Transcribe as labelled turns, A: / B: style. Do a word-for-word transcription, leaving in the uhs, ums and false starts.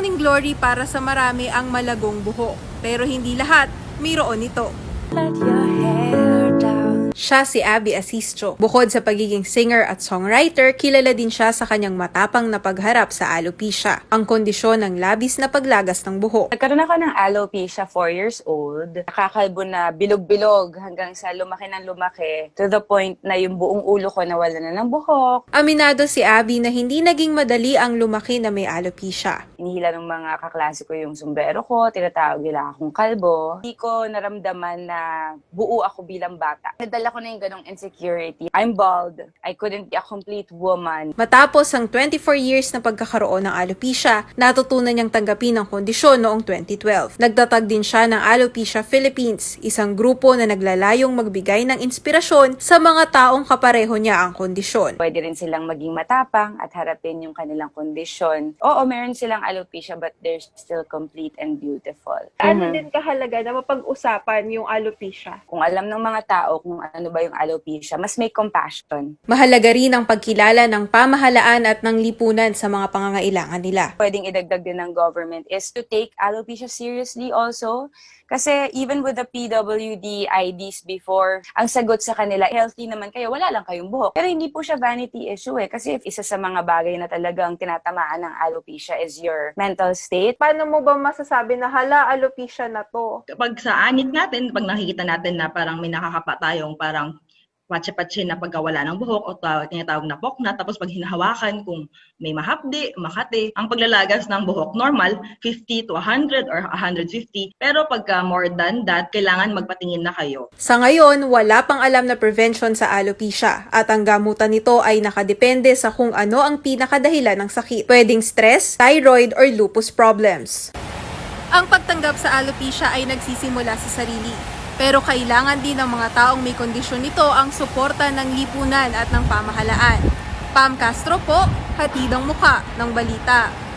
A: morning glory para sa marami ang malagong buhok, pero hindi lahat mayroon nito.
B: Let your hair down.
A: Siya si Abby Asistio. Bukod sa pagiging singer at songwriter, kilala din siya sa kanyang matapang na pagharap sa alopecia, ang kondisyon ng labis na paglagas ng buhok.
C: Nagkaroon ako ng alopecia four years old. Nakakalbo na bilog-bilog hanggang sa lumaki ng lumaki to the point na yung buong ulo ko nawala na ng buhok.
A: Aminado si Abby na hindi naging madali ang lumaki na may alopecia.
C: Inihila ng mga kaklase ko yung sombrero ko, tinatawag nila akong kalbo. Hindi ko naramdaman na buo ako bilang bata. Nadala ko na yung ganong insecurity. I'm bald. I couldn't be a complete woman.
A: Matapos ang twenty-four years na pagkakaroon ng alopecia, natutunan niyang tanggapin ang kondisyon noong twenty twelve. Nagtatag din siya ng Alopecia Philippines, isang grupo na naglalayong magbigay ng inspirasyon sa mga taong kapareho niya ang kondisyon.
C: Pwede rin silang maging matapang at harapin yung kanilang kondisyon. Oo, meron silang alopecia but they're still complete and beautiful.
D: Ano
C: Mhm.
D: din kahalaga na mapag-usapan yung alopecia?
C: Kung alam ng mga tao kung ano ba yung alopecia, mas may compassion.
A: Mahalaga rin ang pagkilala ng pamahalaan at ng lipunan sa mga pangangailangan nila.
C: Pwedeng idagdag din ng government is to take alopecia seriously also. Kasi even with the P W D I Ds before, ang sagot sa kanila, healthy naman kayo, wala lang kayong buhok. Pero hindi po siya vanity issue eh. Kasi isa sa mga bagay na talagang tinatamaan ng alopecia is your mental state.
D: Paano mo ba masasabi na hala, alopecia na to?
E: Kapag sa anit natin, pag nakikita natin na parang may nakakapa tayong parang patsi-patsi na pagkawala ng buhok o tawag, tinatawag na pokna, tapos pag hinahawakan kung may mahapdi, makati, ang paglalagas ng buhok normal, fifty to one hundred or one hundred fifty. Pero pagka more than that, kailangan magpatingin na kayo.
A: Sa ngayon, wala pang alam na prevention sa alopecia at ang gamutan nito ay nakadepende sa kung ano ang pinakadahilan ng sakit. Pwedeng stress, thyroid, or lupus problems. Ang pagtanggap sa alopecia ay nagsisimula sa sarili. Pero kailangan din ng mga taong may kondisyon nito ang suporta ng lipunan at ng pamahalaan. Pam Castro po, hatid ang muka ng balita.